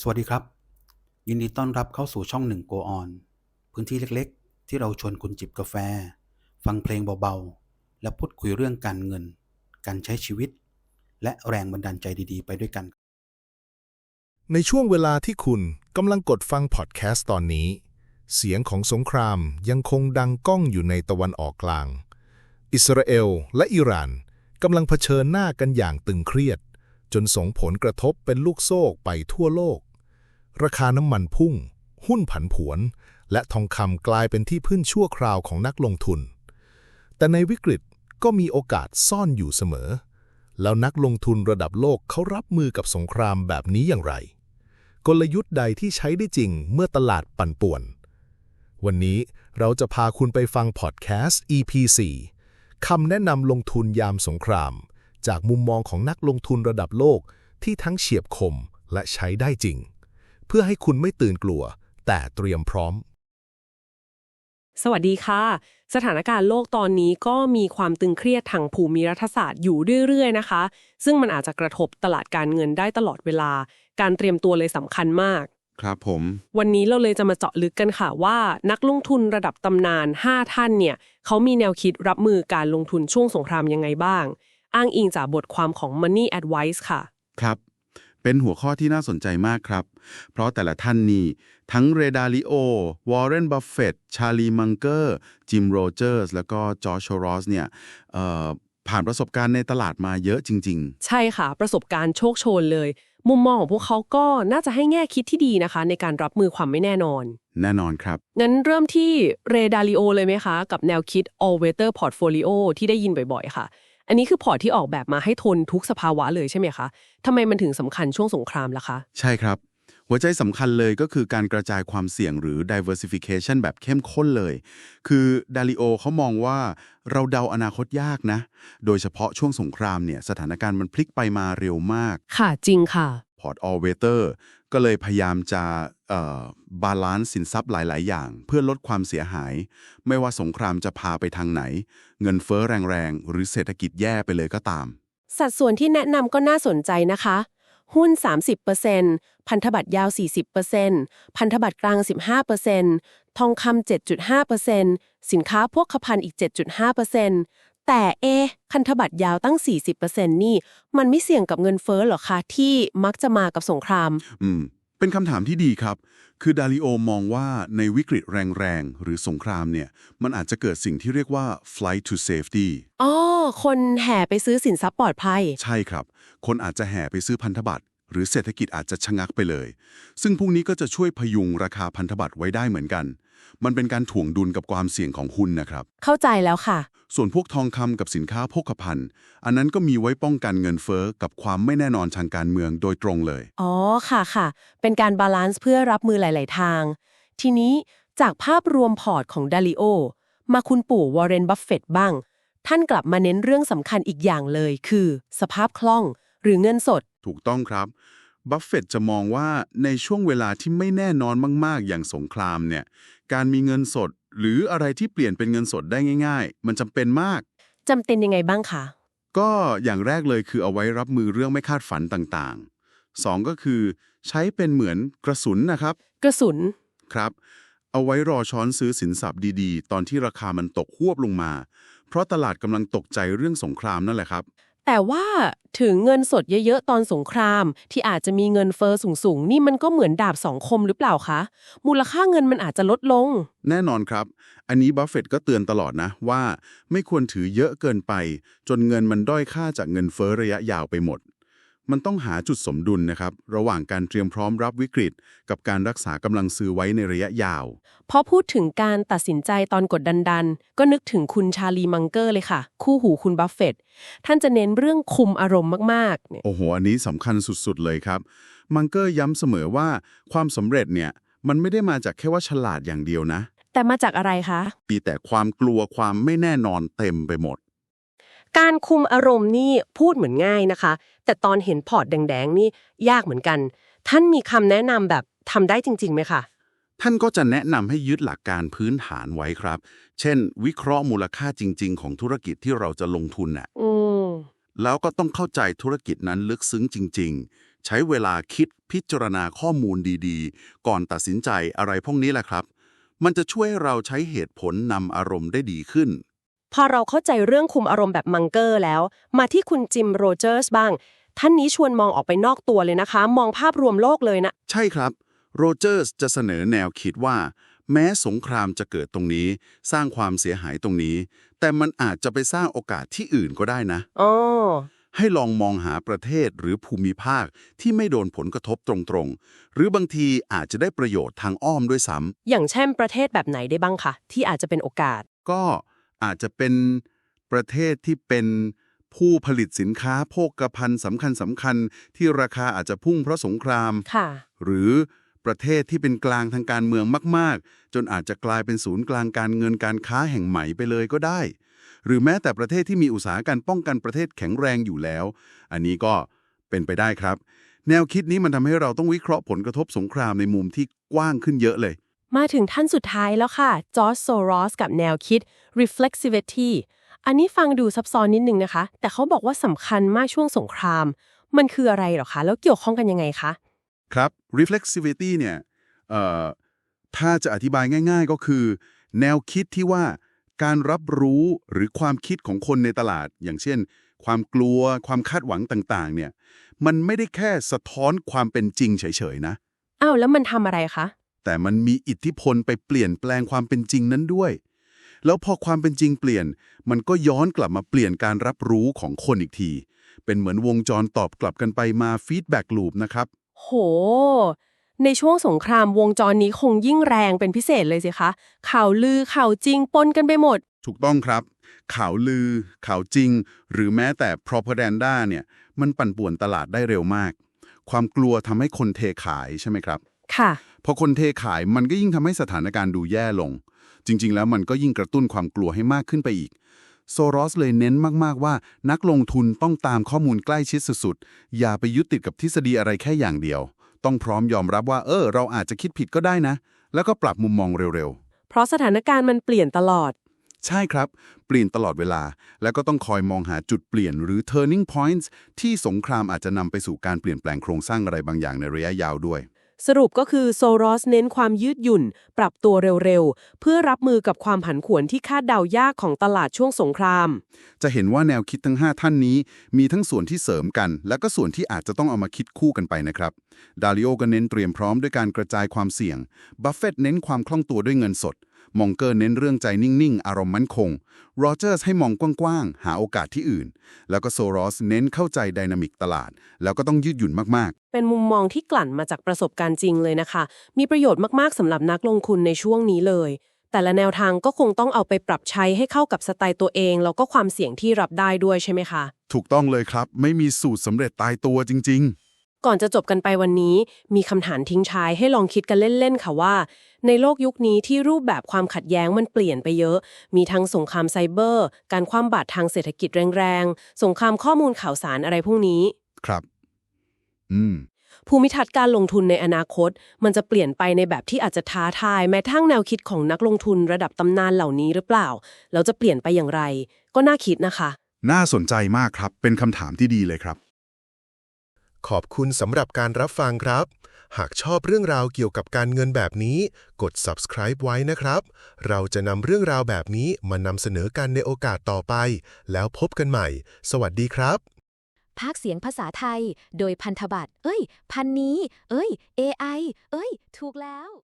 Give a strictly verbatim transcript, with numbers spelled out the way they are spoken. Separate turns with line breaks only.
สวัสดีครับยินดีต้อนรับเข้าสู่ช่องหนึ่ง Go On พื้นที่เล็กๆที่เราชวนคุณจิบกาแฟฟังเพลงเบาๆและพูดคุยเรื่องการเงินการใช้ชีวิตและแรงบันดาลใจดีๆไปด้วยกัน
ในช่วงเวลาที่คุณกำลังกดฟังพอดแคสต์ตอนนี้เสียงของสงครามยังคงดังก้องอยู่ในตะวันออกกลางอิสราเอลและอิหร่านกำลังเผชิญหน้ากันอย่างตึงเครียดจนส่งผลกระทบเป็นลูกโซ่ไปทั่วโลกราคาน้ำมันพุ่งหุ้นผันผวนและทองคำกลายเป็นที่พึ่งชั่วคราวของนักลงทุนแต่ในวิกฤตก็มีโอกาสซ่อนอยู่เสมอแล้วนักลงทุนระดับโลกเขารับมือกับสงครามแบบนี้อย่างไรกลยุทธ์ใดที่ใช้ได้จริงเมื่อตลาดปั่นป่วนวันนี้เราจะพาคุณไปฟังพอดแคสต์ อี พี สี่ คำแนะนำลงทุนยามสงครามจากมุมมองของนักลงทุนระดับโลกที่ทั้งเฉียบคมและใช้ได้จริงเพื่อให้คุณไม่ตื่นกลัวแต่เตรียมพร้อม
สวัสดีค่ะสถานการณ์โลกตอนนี้ก็มีความตึงเครียดทางภูมิรัฐศาสตร์อยู่เรื่อยๆนะคะซึ่งมันอาจจะกระทบตลาดการเงินได้ตลอดเวลาการเตรียมตัวเลยสำคัญมาก
ครับผม
วันนี้เราเลยจะมาเจาะลึกกันค่ะว่านักลงทุนระดับตำนานห้าท่านเนี่ยเขามีแนวคิดรับมือการลงทุนช่วงสงครามยังไงบ้างอ้างอิงจากบทความของ Money Advice ค่ะ
ครับเป็นหัวข้อที่น่าสนใจมากครับเพราะแต่ละท่านนี่ทั้งเรดาลิโอวอร์เรนบัฟเฟตต์ชาลีมังเกอร์จิมโรเจอร์สแล้วก็จอร์จ โชรอสเนี่ยเอ่อผ่านประสบการณ์ในตลาดมาเยอะจริง
ๆใช่ค่ะประสบการณ์โชคโชนเลยมุมมองของพวกเขาก็น่าจะให้แง่คิดที่ดีนะคะในการรับมือความไม่แน่นอน
แน่นอนครับ
งั้นเริ่มที่เรดาลิโอเลยไหมคะกับแนวคิด all weather portfolio ที่ได้ยินบ่อยๆค่ะอันนี้คือพอร์ตที่ออกแบบมาให้ทนทุกสภาวะเลยใช่ไหมคะทำไมมันถึงสำคัญช่วงสงครามล่ะคะ
ใช่ครับหัวใจสำคัญเลยก็คือการกระจายความเสี่ยงหรือ diversification แบบเข้มข้นเลยคือดาลิโอเขามองว่าเราเดาอนาคตยากนะโดยเฉพาะช่วงสงครามเนี่ยสถานการณ์มันพลิกไปมาเร็วมาก
ค่ะจริงค่ะ
พอร์ต all weather ก็เลยพยายามจะบาลานซ์สินทรัพย์หลายๆอย่างเพื่อลดความเสียหายไม่ว่าสงครามจะพาไปทางไหนเงินเฟ้อแรงๆหรือเศรษฐกิจแย่ไปเลยก็ตาม
สัดส่วนที่แนะนำก็น่าสนใจนะคะหุ้น สามสิบเปอร์เซ็นต์ พันธบัตรยาว สี่สิบเปอร์เซ็นต์ พันธบัตรกลาง สิบห้าเปอร์เซ็นต์ ทองคำ เจ็ดจุดห้าเปอร์เซ็นต์ สินค้าพวกภัณฑ์อีก เจ็ดจุดห้าเปอร์เซ็นต์ แต่เอ๊ะพันธบัตรยาวตั้ง สี่สิบเปอร์เซ็นต์ นี่มันไม่เสี่ยงกับเงินเฟ้อหรอคะที่มักจะมากับสงคราม
อืมเป็นคำถามที่ดีครับคือดาลิโอมองว่าในวิกฤตแรงๆหรือสงครามเนี่ยมันอาจจะเกิดสิ่งที่เรียกว่า flight to safety
อ๋อคนแห่ไปซื้อสินทรัพย์ปลอดภัย
ใช่ครับคนอาจจะแห่ไปซื้อพันธบัตรหรือเศรษฐกิจอาจจะชะงักไปเลยซึ่งพวกนี้ก็จะช่วยพยุงราคาพันธบัตรไว้ได้เหมือนกันมันเป็นการถ่วงดุลกับความเสี่ยงของหุ้นนะครับ
เข้าใจแล้วค่ะ
ส่วนพวกทองคำกับสินค้าโภคภัณฑ์อันนั้นก็มีไว้ป้องกันเงินเฟ้อกับความไม่แน่นอนทางการเมืองโดยตรงเลย
อ๋อค่ะค่ะเป็นการบาลานซ์เพื่อรับมือหลายๆทางทีนี้จากภาพรวมพอร์ตของดาลิโอมาคุณปู่วอร์เรนบัฟเฟตต์บ้างท่านกลับมาเน้นเรื่องสำคัญอีกอย่างเลยคือสภาพคล่องหรือเงินสด
ถูกต้องครับบัฟเฟตต์จะมองว่าในช่วงเวลาที่ไม่แน่นอนมากๆอย่างสงครามเนี่ยการมีเงินสดหรืออะไรที่เปลี่ยนเป็นเงินสดได้ง่ายๆมันจำเป็นมาก
จำเป็นยังไงบ้างคะ
ก็อย่างแรกเลยคือเอาไว้รับมือเรื่องไม่คาดฝันต่างๆสองก็คือใช้เป็นเหมือนกระสุนนะครับ
กระสุน
ครับเอาไว้รอช้อนซื้อสินทรัพย์ดีๆตอนที่ราคามันตกฮวบลงมาเพราะตลาดกำลังตกใจเรื่องสงครามนั่นแหละครับ
แต่ว่าถึงเงินสดเยอะๆตอนสงครามที่อาจจะมีเงินเฟอ้อสูงๆนี่มันก็เหมือนดาบสองคมหรือเปล่าคะมูลค่าเงินมันอาจจะลดลง
แน่นอนครับอันนี้บัฟเฟตต์ก็เตือนตลอดนะว่าไม่ควรถือเยอะเกินไปจนเงินมันด้อยค่าจากเงินเฟ้อระยะยาวไปหมดมันต้องหาจุดสมดุลนะครับระหว่างการเตรียมพร้อมรับวิกฤตกับการรักษากำลังซื้อไว้ในระยะยาว
พอพูดถึงการตัดสินใจตอนกดดันๆก็นึกถึงคุณชาลีมังเกอร์เลยค่ะคู่หูคุณบัฟเฟตต์ท่านจะเน้นเรื่องคุมอารมณ์มากๆเนี่ย
โอ้โหอันนี้สำคัญสุดๆเลยครับมังเกอร์ย้ำเสมอว่าความสำเร็จเนี่ยมันไม่ได้มาจากแค่ว่าฉลาดอย่างเดียวนะ
แต่มาจากอะไรคะ
มีแต่ความกลัวความไม่แน่นอนเต็มไปหมด
การคุมอารมณ์นี่พูดเหมือนง่ายนะคะแต่ตอนเห็นพอร์ตแดงๆนี่ยากเหมือนกันท่านมีคำแนะนำแบบทำได้จริงๆไหมคะ
ท่านก็จะแนะนำให้ยึดหลักการพื้นฐานไว้ครับเช่นวิเคราะห์มูลค่าจริงๆของธุรกิจที่เราจะลงทุนน่ะ
อืม
แล้วก็ต้องเข้าใจธุรกิจนั้นลึกซึ้งจริงๆใช้เวลาคิดพิจารณาข้อมูลดีๆ ก่อนตัดสินใจอะไรพวกนี้แหละครับ มันจะช่วยให้เราใช้เหตุผลนำอารมณ์ได้ดีขึ้น
พอเราเข้าใจเรื่องคุมอารมณ์แบบมังเกอร์แล้ว มาที่คุณจิมโรเจอร์สบ้าง ท่านนี้ชวนมองออกไปนอกตัวเลยนะคะ มองภาพรวมโลกเลยนะ
ใช่ครับโรเจอร์สจะเสนอแนวคิดว่า แม้สงครามจะเกิดตรงนี้ สร้างความเสียหายตรงนี้ แต่มันอาจจะไปสร้างโอกาสที่อื่นก็ได้นะ
อ๋อ
ให้ลองมองหาประเทศหรือภูมิภาคที่ไม่โดนผลกระทบตรงๆ หรือบางทีอาจจะได้ประโยชน์ทางอ้อมด้วยซ้ำ
อย่างเช่นประเทศแบบไหนได้บ้างคะที่อาจจะเป็นโอกาส
ก็อาจจะเป็นประเทศที่เป็นผู้ผลิตสินค้าโภคภัณฑ์สำคัญสำคัญที่ราคาอาจจะพุ่งเพราะสงคราม
ค่ะ
หรือประเทศที่เป็นกลางทางการเมืองมากๆ จนอาจจะกลายเป็นศูนย์กลางการเงินการค้าแห่งใหม่ไปเลยก็ได้ หรือแม้แต่ประเทศที่มีอุตสาหการป้องกันประเทศแข็งแรงอยู่แล้ว อันนี้ก็เป็นไปได้ครับ แนวคิดนี้มันทำให้เราต้องวิเคราะห์ผลกระทบสงครามในมุมที่กว้างขึ้นเยอะเลย
มาถึงท่านสุดท้ายแล้วค่ะจอร์จโซรอสกับแนวคิด reflexivity อันนี้ฟังดูซับซ้อนนิดนึงนะคะ แต่เขาบอกว่าสำคัญมากช่วงสงคราม มันคืออะไรหรอคะ แล้วเกี่ยวข้องกันยังไงคะ
ครับ reflexivity เนี่ยเอ่อถ้าจะอธิบายง่ายๆก็คือ แนวคิดที่ว่าการรับรู้หรือความคิดของคนในตลาด อย่างเช่น ความกลัวความคาดหวังต่างๆเนี่ยมันไม่ได้แค่สะท้อนความเป็นจริงเฉยๆนะ
อ้าวแล้วมันทำอะไรคะ
แต่มันมีอิทธิพลไปเปลี่ยนแปลงความเป็นจริงนั้นด้วย แล้วพอความเป็นจริงเปลี่ยน มันก็ย้อนกลับมาเปลี่ยนการรับรู้ของคนอีกที เป็นเหมือนวงจรตอบกลับกันไปมาฟีดแบ็กลูปนะครับ
โห ในช่วงสงครามวงจรนี้คงยิ่งแรงเป็นพิเศษเลยสิคะ ข่าวลือข่าวจริงปนกันไปหมด
ถูกต้องครับ ข่าวลือ ข่าวจริง หรือแม้แต่ propaganda เนี่ยมันปั่นป่วนตลาดได้เร็วมาก ความกลัวทำให้คนเทขายใช่ไหมครับ
ค่ะ
พอคนเทขายมันก็ยิ่งทำให้สถานการณ์ดูแย่ลง จริงๆ แล้วมันก็ยิ่งกระตุ้นความกลัวให้มากขึ้นไปอีก โซรอสเลยเน้นมากๆว่านักลงทุนต้องตามข้อมูลใกล้ชิดสุดๆ อย่าไปยึดติดกับทฤษฎีอะไรแค่อย่างเดียว ต้องพร้อมยอมรับว่าเออเราอาจจะคิดผิดก็ได้นะ แล้วก็ปรับมุมมองเร็วๆ
เพราะสถานการณ์มันเปลี่ยนตลอด
ใช่ครับ เปลี่ยนตลอดเวลา แล้วก็ต้องคอยมองหาจุดเปลี่ยนหรือ turning points ที่สงครามอาจจะนำไปสู่การเปลี่ยนแปลงโครงสร้างอะไรบางอย่างในระยะยาวด้วย
สรุปก็คือโซรอสเน้นความยืดหยุ่น ปรับตัวเร็วๆ เพื่อรับมือกับความผันผวนที่คาดเดายากของตลาดช่วงสงคราม
จะเห็นว่าแนวคิดทั้งห้าท่านนี้มีทั้งส่วนที่เสริมกัน และก็ส่วนที่อาจจะต้องเอามาคิดคู่กันไปนะครับดาริโอก็เน้นเตรียมพร้อมด้วยการกระจายความเสี่ยงบัฟเฟตต์เน้นความคล่องตัวด้วยเงินสดมองเกอร์เน้นเรื่องใจนิ่งๆอารมณ์มั่นคงโรเจอร์สให้มองกว้างๆหาโอกาสที่อื่นแล้วก็โซรอสเน้นเข้าใจไดนามิกตลาดแล้วก็ต้องยืดหยุ่นมากๆ
เป็นมุมมองที่กลั่นมาจากประสบการณ์จริงเลยนะคะ มีประโยชน์มากๆสำหรับนักลงทุนในช่วงนี้เลย แต่ละแนวทางก็คงต้องเอาไปปรับใช้ให้เข้ากับสไตล์ตัวเองแล้วก็ความเสี่ยงที่รับได้ด้วยใช่ไหมคะ
ถูกต้องเลยครับไม่มีสูตรสำเร็จตายตัวจริงๆ
ก่อนจะจบกันไปวันนี้มีคำถามทิ้งท้ายให้ลองคิดกันเล่นๆค่ะว่าในโลกยุคนี้ที่รูปแบบความขัดแย้งมันเปลี่ยนไปเยอะมีทั้งสงครามไซเบอร์การคว่ำบาตรทางเศรษฐกิจแรงๆสงครามข้อมูลข่าวสารอะไรพวกนี้
ครับอืม
ภูมิทัศน์การลงทุนในอนาคตมันจะเปลี่ยนไปในแบบที่อาจจะท้าทายแม้ทั้งแนวคิดของนักลงทุนระดับตำนานเหล่านี้หรือเปล่าแล้วจะเปลี่ยนไปอย่างไรก็น่าคิดนะคะ
น่าสนใจมากครับเป็นคำถามที่ดีเลยครับ
ขอบคุณสำหรับการรับฟังครับ หากชอบเรื่องราวเกี่ยวกับการเงินแบบนี้กด subscribe ไว้นะครับ เราจะนำเรื่องราวแบบนี้มานำเสนอกันในโอกาสต่อไป แล้วพบกันใหม่ สวัสดีครับ
ภาคเสียงภาษาไทย โดยพันธบัตร เอ้ย พันนี้ เอ้ย เอ ไอ เอ้ย ถูกแล้ว